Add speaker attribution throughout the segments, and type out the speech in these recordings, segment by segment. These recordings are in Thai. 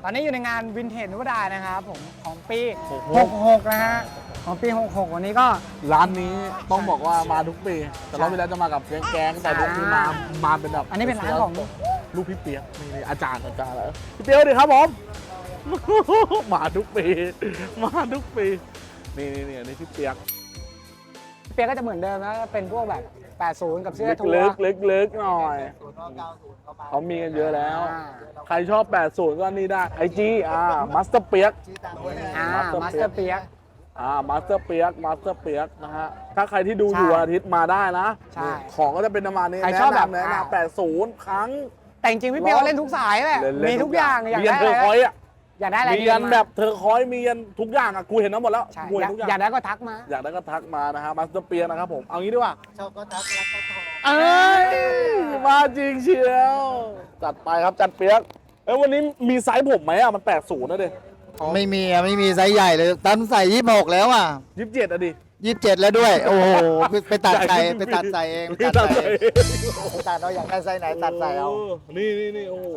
Speaker 1: อนนี้อยู่ในงานวินเทจนุวดานะครับผมของปี 66 นะฮะของปี 66 วันนี้ก็
Speaker 2: ร้านนี้ต้องบอกว่ามาทุกปีแต่รอบที่แล้วจะมากับแก๊งแต่รอบนี้มาเป็นแบบ
Speaker 1: อันนี้เป็นร้านของ
Speaker 2: ลูกพี่เปียกนี่อาจารย์แล้วพี่เปียกดีครับผม มาทุกปีมาทุกปีนี่อันนี้พี่เปียก
Speaker 1: เปียกก็จะเหมือนเดิมนะเป็นพวกแบบ 80 กับเสื้อทัว
Speaker 2: ลึ
Speaker 1: ร์
Speaker 2: กลึกหน่อยเขามีกันเยอะแล้ว ใครชอบ 80 ก็นี่ได้ไอจีมาสเตอร์เปียก
Speaker 1: มาสเตอร์เปียก
Speaker 2: มาสเตอร์เปียกนะฮะถ้าใครที่ดูอยู่
Speaker 1: ใช่
Speaker 2: อาทิตย์มาได้นะ
Speaker 1: ใช่
Speaker 2: ของก็จะเป็นประมาณนี้
Speaker 1: ใครชอบแบบ
Speaker 2: แนะนำ80 ครั้ง
Speaker 1: แต่จริงๆพี่เปียกเล่นทุกสายแหละมีทุกอย่างอยาก
Speaker 2: มียัน
Speaker 1: ได้
Speaker 2: เธอ
Speaker 1: อะไร
Speaker 2: คอยอ่ะ
Speaker 1: อยากได้อะไร
Speaker 2: มียันแบบเธอคอยมียันทุกอย่างอ่ะกูเห็นทั้งหมดแล้ว
Speaker 1: ใช่
Speaker 2: กูเห็นทุกอย่าง
Speaker 1: อยากได้ก็ทักมา
Speaker 2: อยากได้ก็ทักมานะฮะมาสเตอร์เปียกนะครับผมเอางี้ดีกว่า
Speaker 3: ชอบก็ทักรักก็โทร
Speaker 2: เอ้ยมาจริงเชียวจัดไปครับจัดเปียกวันนี้มีไซส์ผมไหมอ่ะมัน80นะเด็
Speaker 3: ไม่มีไซส์ใหญ่เลยตั้มใส่26แล้วอ่ะ
Speaker 2: 27อ่ะดิ
Speaker 3: 27แล้วด้วย โอ้โหไปตัดใส่
Speaker 2: ใหญ่ขึ้น
Speaker 3: ไปตัดใส่เอง
Speaker 2: พี่ตัดใส่
Speaker 3: ไปตัดเราอยากได้ไซส์ไหนตัดใส่เอา
Speaker 2: นี่โอ้โห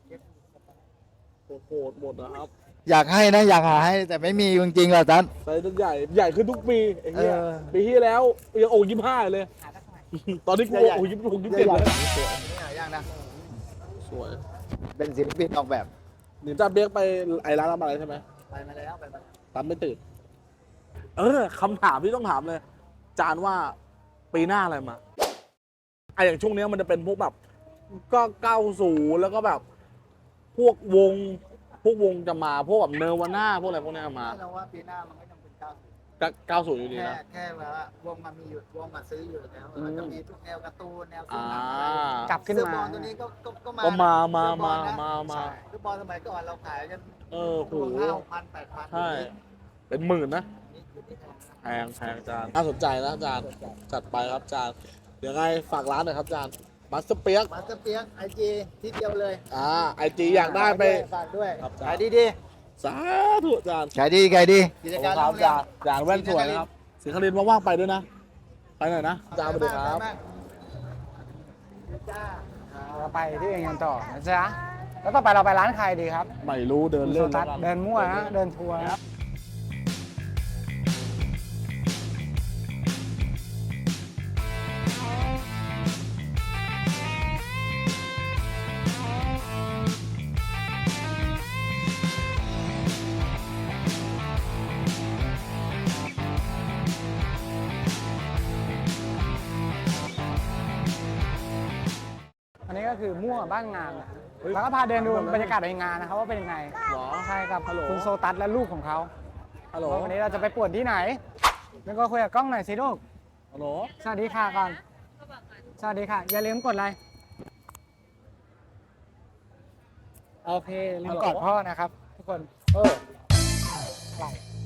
Speaker 2: โหดหมดนะครับ
Speaker 3: อยากให้นะอยากหาให้แต่ไม่มีจริงๆหรอกตั้ม
Speaker 2: ไซส์ใหญ่ขึ้นทุกปีไอ้เหี้ย
Speaker 3: เออ
Speaker 2: ปีที่แล้วยังโอ่25เลย ตอนนี้กูโอ่27เลย
Speaker 3: สวยนี่หายากนะ
Speaker 2: สวย
Speaker 3: เป็นศิลปินออกแบบ
Speaker 2: หนิจ้าเบียกไปไอ้ร้านอะไรใช่ไหม
Speaker 3: ไปมาแล้ว
Speaker 2: ตามไม่ตื่นคำถามที่ต้องถามเลย จานว่าปีหน้าอะไรมาอย่างช่วงนี้มันจะเป็นพวกแบบก็90แล้วก็แบบพวกวงจะมาพวกแบบเนวาน่าพวกอะไรพวกนี้มา
Speaker 3: เราว่าปีหน้ามันก็ยังเป็น
Speaker 2: 90
Speaker 3: 90
Speaker 2: อยู่ดีนะ
Speaker 3: แค่แบบว่าวงมันมีอยู่วงมาซื้ออยู่แล้วมันจะมีทุกแนวการ์ตูนแนว
Speaker 2: อ่า
Speaker 1: กลับขึ้น
Speaker 3: เสื้อบ
Speaker 1: มา
Speaker 3: อลตัวนี้ก็
Speaker 2: ก็มา
Speaker 3: เสื้อบอลนะ
Speaker 2: มา
Speaker 3: เสื้อบอลสมัยก่อนเราขายกัน
Speaker 2: โห
Speaker 3: ตัว5,000 8,000
Speaker 2: ใช่เป็นหมื่นนะแพงจานน่าสนใจนะจานจัดไปครับจานเดี๋ยวไงฝากร้านหน่อยครับจานมาสเตอร์เปียก
Speaker 3: มาสเตอร์เปียกไอจีที่เดียวเลย
Speaker 2: ไอจีอยากได้ไป
Speaker 3: ฝากด้วย
Speaker 2: ครับ
Speaker 3: ขายดี
Speaker 2: สาธุจาน
Speaker 3: ๆขายดีกิจ
Speaker 2: ขอบ
Speaker 3: การ
Speaker 2: คุณครับจานแว่นสวยนะครับสิงคลินว่างๆไปด้วยนะไปหน่อยนะจานสวัสดีครับ
Speaker 1: เราไปที่อื่นกันต่อนะจ๊ะแล้วต่อไปเราไปร้านใครดีครับ
Speaker 2: ไม่รู้เดินเล่น
Speaker 1: โซตัสเดินมั่วนะเดินทัวร์นะอันนี้ก็คือมั่วบ้านงานนะแล้วก็พาเดินดูบรรยากาศในงานนะครับว่าเป็นยังไง
Speaker 2: หรอ
Speaker 1: ใช่ครับ
Speaker 2: ฮัลโหล
Speaker 1: คุณโซตัสและลูกของเขา
Speaker 2: ฮัลโหล
Speaker 1: ว่าวันนี้เราจะไปป่วนที่ไหนแล้วก็คุยกับกล้องหน่อยสิลูก
Speaker 2: ฮัลโหล
Speaker 1: สวัสดีค่ะก่อนสวัสดีค่ะ อย่าลืมกดไลค์โอเคอย่าลืมกอดพ่อนะครับ ทุกคนไหล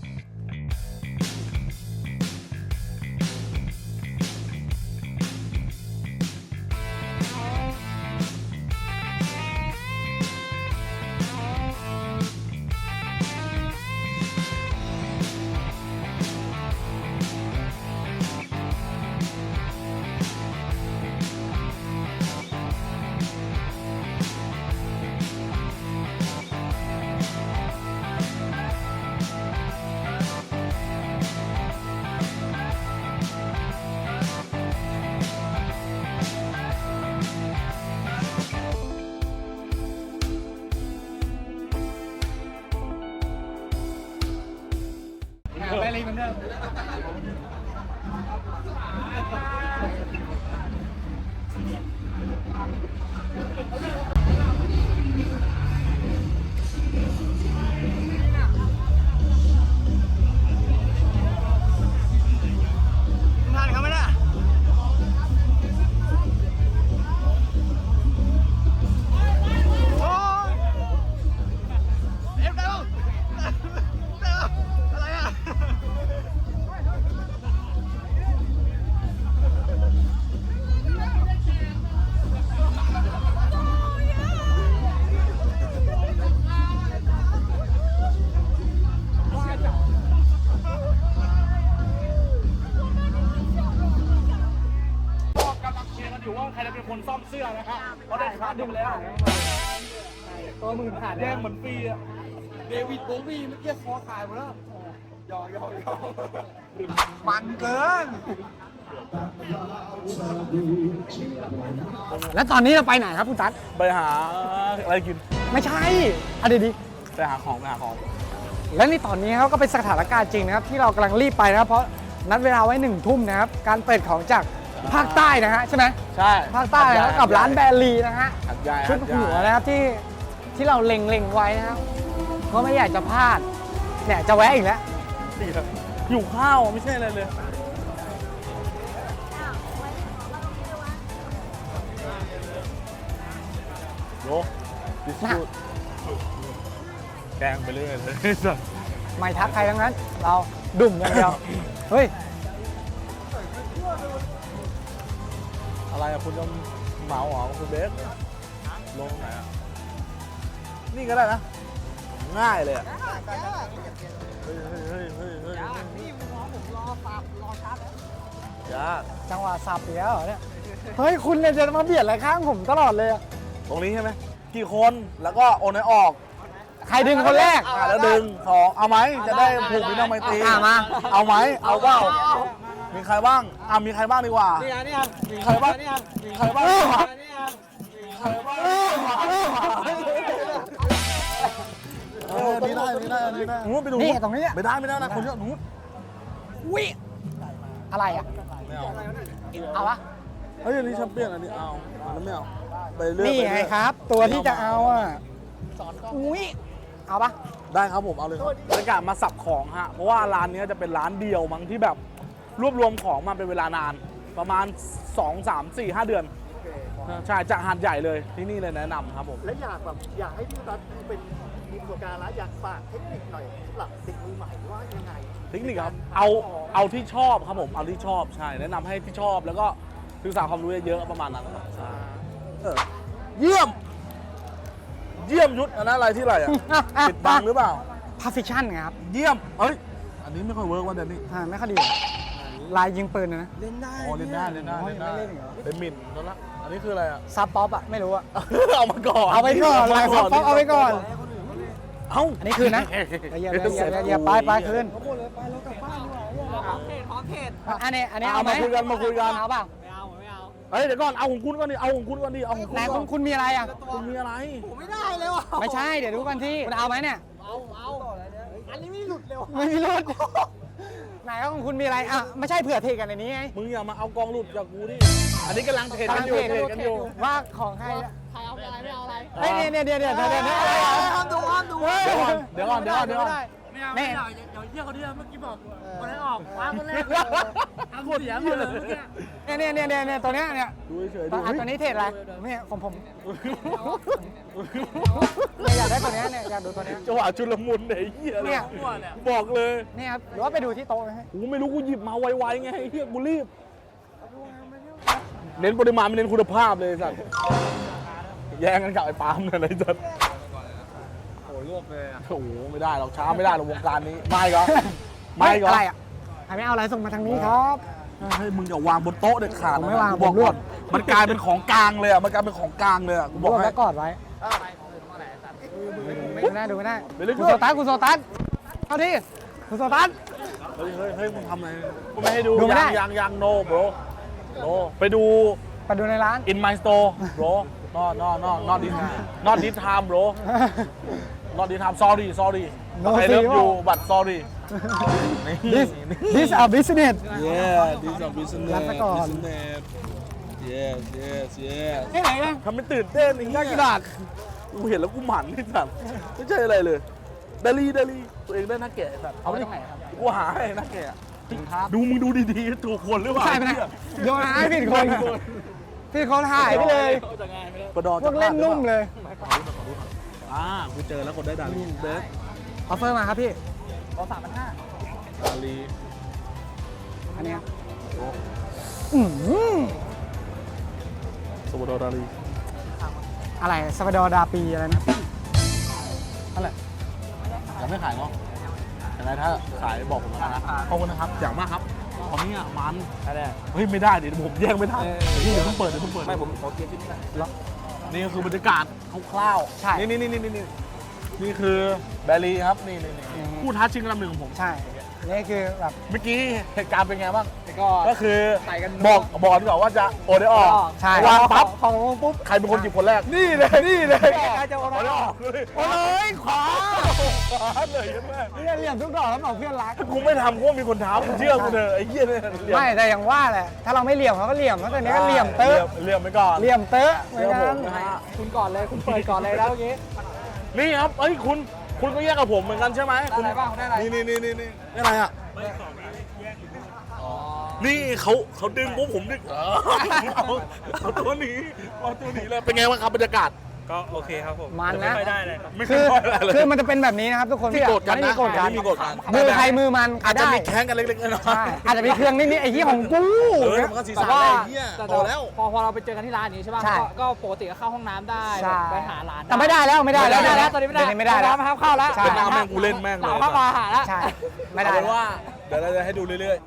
Speaker 1: ไปเลยเหมือนเดิมทานเขาไหมล่ะโอ้เอฟเร็วอะไรอ่ะ
Speaker 2: กำลังเชียร์กันอยู่ว่าใครจะเป็นคนซ่อมเสื้อนะครับเพราะได้ขาดดึงแล้ว
Speaker 1: ตัวหมื่นขาด
Speaker 2: แย่งเหมือนฟรีอ่ะ
Speaker 4: เดวิดโบวีเมื่อกี้คอขาดหมดแล้วยอก
Speaker 3: มันเกิน
Speaker 1: แล้วตอนนี้เราไปไหนครับคุณตั๊ด
Speaker 2: ไปหาอะไรกิน
Speaker 1: ไม่ใช่อ่ะเดี๋ยวดิ
Speaker 2: ไปหาของ
Speaker 1: และในตอนนี้ครับก็เป็นสถานการณ์จริงนะครับที่เรากำลังรีบไปนะครับเพราะนัดเวลาไว้1 ทุ่มนะครับการเปิดของจากภาคใต้นะฮะใช่ไหม
Speaker 2: ใช่
Speaker 1: ภาคใต้นะครับกับร้านแบรีนะฮะ
Speaker 2: หัดใหญ่
Speaker 1: ชุดหัวนะครับที่เราเล็งไว้นะครับเพราะไม่อยากจะพลาดเนี่ยจะแวะอีกแล้ว
Speaker 2: อยู่ข้าวไม่ใช่อะไรเลยโยดิสคูดแกงไปเรื่อยเลย
Speaker 1: ไม่ทักใครทั้งนั้น เราดุ่มอย่างเดียว เฮ้ย
Speaker 2: อะไรอะคุณจะเหมาเหรอคุณเบสลงไหนอะนี่ก็ได้นะ ง่ายเลยอะเฮ้ย
Speaker 3: นี่มึงรอผมรอสับรอชัดแล้ว
Speaker 2: ยาก
Speaker 1: จังหวะสับอีกแล้วเหรอเนี่ยเฮ้ยคุณเนี่ยจะมาเบียดอะไรข้างผมตลอดเลยอะ
Speaker 2: ตรงนี้ใช่ไหมกี่คนแล้วก็โอนให้ออก
Speaker 1: ใครดึงคนแรก
Speaker 2: แล้วดึงของเอาไหมจะได้ผูกมิตรไมตรี
Speaker 1: มา
Speaker 2: เอาไหมเอาเปล่ามีใครบ้างมีใครบ้างดีกว่า
Speaker 3: นี่ครับ
Speaker 2: มีใครบ้างมีใครบ้างดีกว่า
Speaker 3: นี่ครับ
Speaker 2: ใครบ้างนี่ได้นู้นไปดู
Speaker 1: นี่ตรงนี้อะ
Speaker 2: ไม่ได้นะคนเยอะนู้น
Speaker 1: วิอะไรอ่ะ
Speaker 2: ไม่เอา
Speaker 1: เอาปะ
Speaker 2: เฮ้ยอันนี้แชมเปี้ยนอันนี้เอาอันนั้นไม่เอาไปเรื่อย
Speaker 1: นี่ไงครับ ตัวที่จะเอาอ่ะอุ้ยเอาปะ
Speaker 2: ได้ครับผมเอาเลยบรรยากาศมาสับของฮะเพราะว่าร้านนี้จะเป็นร้านเดียวมั้งที่แบบรวบรวมของมาเป็นเวลานานประมาณ 2, 3, 4, 5 เดือนใช่จากหาดใหญ่เลยที่นี่เลยแนะนำครับผม
Speaker 4: และอยากให้พี่ตั๊ดเป็นมีประสบการณ์แล้วอยากฝากเทคนิคหน่อยสำหรับเด็กมือใหม่ว่ายังไง
Speaker 2: เทคนิคครับเอาที่ชอบครับผมเอาที่ชอบใช่แนะนำให้ที่ชอบแล้วก็ศึกษาความรู้เยอะๆประมาณนั้นครับใช่เยี่ยมยุทธอันนั้นอะไรที่ไรอ่ะปิดบังหรือเปล่า
Speaker 1: พาฟิชั่นไงครับ
Speaker 2: เยี่ยมเอ้ยอันนี้ไม่ค่อยเวิร์กวันเดี๋ยวนี้
Speaker 1: ไม่ค่อยดีเหรอลายยิงปืนนะ
Speaker 4: เล่นได้
Speaker 2: อ๋อเล่นได้
Speaker 1: โอ้ยไม่เล่นเหรอ
Speaker 2: เป็นหมิ่นแล้วละอันนี้คืออะไรอ่ะ
Speaker 1: ซับป๊อปอ่ะไม่รู้อ่ะ
Speaker 2: เอามาก่อน
Speaker 1: เอาไปก่อนลายซับป๊อปเอาไปก่อน
Speaker 2: เอ้า
Speaker 1: อันนี้คืนนะอย่าไปคืน
Speaker 3: พร้อมเทศ
Speaker 1: อันนี้
Speaker 2: เอา
Speaker 1: เอาไหม
Speaker 2: มาคุยกันมาคุยกัน
Speaker 1: เอาเปล่า
Speaker 3: ไม่เอา
Speaker 2: เฮ้ยเดี๋ยวก่อนเอาของคุณก่อนดิเอาของคุณก่อนดิเอาของคุณ
Speaker 1: ไหน
Speaker 2: ก่อน
Speaker 1: คุณมีอะไรอ่ะ
Speaker 2: คุณมีอะไร
Speaker 3: ผมไม่ได้เลยว่ะ
Speaker 1: ไม่ใช่เดี๋ยวดูกันที่คุณเอาไหมเนี่ย
Speaker 3: เอาอันนี้ไม่หลุดเลยว่ะ
Speaker 1: ไม่มีรถไหนของคุณมีอะไรอ่ะไม่ใช่เผื่อเทกันในนี้ไง
Speaker 2: มึงอย่ามาเอากองหลุดจากกูดิอันนี้กำลังเทรดกันอยู่เทรดกันอยู่
Speaker 1: ว่าของใคร
Speaker 3: ใครเอาอะไรไม่เอาอะไร
Speaker 1: เฮ้ยเนี่ยเดี๋ยวอะไร
Speaker 3: ห้ามดู
Speaker 2: เดี๋ยวก่อน
Speaker 1: ไม่ได้
Speaker 3: ไม่เอาเดี๋ยวเยี่ยเขาดิเมื่อกี้บอกคนให้ออกว้าคนแรกทำเสียหมดเลยเมื่อกี้
Speaker 1: เนี่ยตัวเนี้ยเนี่ย
Speaker 2: ดูเฉยๆ
Speaker 1: ต
Speaker 2: ดู
Speaker 1: อนนี้เทรดอะไรเนี่ยของผมเนี่ยอยากได้ตัวเนี้ยเนี่ยอยากดูตัวเนี้ย
Speaker 2: จังหวะชุลมุนไอ้เหี้ย
Speaker 1: เนี่ย
Speaker 2: บอกเลย
Speaker 1: เนี่ยครับหรือว่าไปดูที่โต๊ะไหมฮะ
Speaker 2: กูไม่รู้กูหยิบมาไวๆไงไอ้เหี้ยกูรีบเน้นปริมาณไม่เน้นคุณภาพเลยสัตว์แย่งกันกับไอ้ปาล์มเนี่ยเลยสัตว์
Speaker 4: โอ้รวบเลยอ่ะ
Speaker 2: โอ้โหไม่ได้หรอกช้าไม่ได้หรอกวงการนี้ไม่ก็
Speaker 1: อะไรอ่ะไม่เอาอะไรส่งมาทางนี้ครับ
Speaker 2: เฮ้ยมึงอย่าวางบนโต๊ะเด็ดขาด
Speaker 1: ผมไม่วาง
Speaker 2: บอก
Speaker 1: ผมรวบ
Speaker 2: มันกลายเป็นของกลางเลยอ่ะมันกลายเป็นของกลางเลยอ่ะกู
Speaker 1: บบ อ
Speaker 2: อก กให้
Speaker 1: แล้วกอดไว้ดูไม่ได้
Speaker 2: ไปเรื่อยๆ
Speaker 1: คุณโซตัสเข้าที่คุณโซตัส
Speaker 2: เฮ้ยมึงทำอะไรกูไม่ให้ดู
Speaker 1: ดูไม่ได้
Speaker 2: ยังโนโบรโนไปดู
Speaker 1: ไปดูในร้าน
Speaker 2: in my store bro not this time bro not this time sorry
Speaker 1: No
Speaker 2: I love
Speaker 1: see
Speaker 2: you
Speaker 1: ว่า
Speaker 2: but sorry
Speaker 1: this a business
Speaker 2: yeah this is business
Speaker 1: รับไปก่อน
Speaker 2: business yes
Speaker 1: ที่ไหนนะ
Speaker 2: ทำเป็นตื่นเต้นไอ้เหี้ยกี่บาทกูเห็นแล้วกูหมันไอ้สัตว์ไม่ใช่อะไรเลยดาลีตัวเองได้หน้าแก่สัตว์
Speaker 1: เอาไปตรงไหนครับ
Speaker 2: กูหาให้หน้าแก่
Speaker 1: ครับ
Speaker 2: ดูมึงดูดีๆถูกคนหรือเปล่า
Speaker 1: ใช่ไหมเนี่ยโยนหายผิดคนผิดคนหายไปเลย
Speaker 2: กระดอ
Speaker 1: พวกเล่นนุ่มเลย
Speaker 2: กูเจอแล้วคนได้ดาลีเบส
Speaker 1: ออฟเฟอร์มาครับพี่
Speaker 2: ดาลี
Speaker 1: อันเนี้ย
Speaker 2: สวัสดีดาลี
Speaker 1: อะไรซาบาดอร์ดาปีอะไรนะ
Speaker 2: นั่นแหละยังไม่ขายเนาะยังไงถ้าขายบอกผมนะขอบคุณนะครับอย่างมากครับตอนนี้อ่ะมันเฮ้ยไม่ได้เดี๋ยวผมแย่งไม่ทันเดี๋ยวเพิ่งเปิดไม่ผมขอเกียร์ที่นี่นี่ก็คือบรรยากาศคร่าวๆ
Speaker 1: ใช่
Speaker 2: นี่นี่คือแบรี่ครับนี่ผู้ท้าชิงอันดับหนึ่งของผม
Speaker 1: ใช่ นี่คือแบบ
Speaker 2: เมื่อกี้เหตุการณ์เป็นไงบ้าง
Speaker 3: ก็
Speaker 2: ก็คือ
Speaker 3: ใส่กัน
Speaker 2: บอกดีกว่าว่าจะโอได้ออก
Speaker 1: ใช่
Speaker 2: วางปั๊บ
Speaker 1: ของลงปุ๊บ
Speaker 2: ใครเป็นคนหยิบคนแรก นี่เลย
Speaker 1: ใครจะโอน
Speaker 2: โอได้ออกเลย
Speaker 1: โอ้ยขวา
Speaker 2: ขวาเลยใช่ไหม
Speaker 1: เนี่ยเหลี่ยมทุกดอกแล้วบอกเพื่อนรัก
Speaker 2: กูไม่ทำกูว่ามีคนท้ากูเชื่อกูเถอะไอ้เหี้ยเนี่ยเหลี่ยม
Speaker 1: ไม่แต่อย่างว่าแหละ ถ้าเราไม่เหลี่ยมเขาก็เหลี่ยมเพราะตอนนี้ก็เหลี่ยมเตอะ
Speaker 2: เหลี่ยมไปก่อน
Speaker 1: เหลี่ยมเตอะเหมือนกัน
Speaker 2: เดี๋ยวผมนะฮะ
Speaker 3: คุณก่อนเลยคุณเปิดก่อนเลยแล้วเมื่อกี้
Speaker 2: นี่ครับเอ้ยคุณก็แยกกับผมเหมือนกันใช่ไหม
Speaker 3: ได้อะไรบ้างได้อะไร
Speaker 2: นี่อะไรอ่ะนี่เขาดึงปุ๊บผมดึงเอาตัวหนีเลยเป็นไงบ้างครับบรรยากาศ
Speaker 5: ก็โอเคครับผม
Speaker 1: มันนะ
Speaker 5: ไม่ค่อยได้เลยครับ
Speaker 2: ไม่
Speaker 1: คือ
Speaker 2: ค่อยอะไรเลย
Speaker 1: คือมันจะเป็นแบบนี้นะครับทุกคน
Speaker 2: มีโกรธกัน
Speaker 1: ไม่
Speaker 2: นะ
Speaker 1: มีโกรธกัน
Speaker 2: ไม่มีโกรธกัน
Speaker 1: มือใครมือมัน
Speaker 2: อาจจะ
Speaker 1: ได้
Speaker 2: มีแข้งกันเล็กๆน้อย
Speaker 1: ใช่อาจจะมีเครื่องนิดๆไอ้ที่ของกู
Speaker 2: ๆมันก็สีสันอะไรเงี้ย
Speaker 3: แต่
Speaker 2: โตแล้ว
Speaker 3: พอเราไปเจอกันที่ร้านนี้ใช่ป่ะ
Speaker 1: ใช่
Speaker 3: ก็ปกติก็เข้าห้องน้ำได้
Speaker 1: ใช่
Speaker 3: ไปหาร้าน
Speaker 1: แต่ไม่ได้แล้วไม่ได้แล้ว
Speaker 3: ไม่ได้แล้วตอนนี้ไม่ได้
Speaker 1: เดี๋ยวไม่ได้แล้ว
Speaker 3: ห้องน้ำห้ามเข้าแล้ว
Speaker 1: ใช่
Speaker 2: เป็นน้ำแม่งกูเล่นแม่งเลย
Speaker 3: หลังเข้ามาหาแล้ว
Speaker 1: ใช่ไม่ได้
Speaker 2: เอาเป็น
Speaker 1: แล้ว
Speaker 2: ว่าเดี๋ยวเราจะให้ดูเรื่อย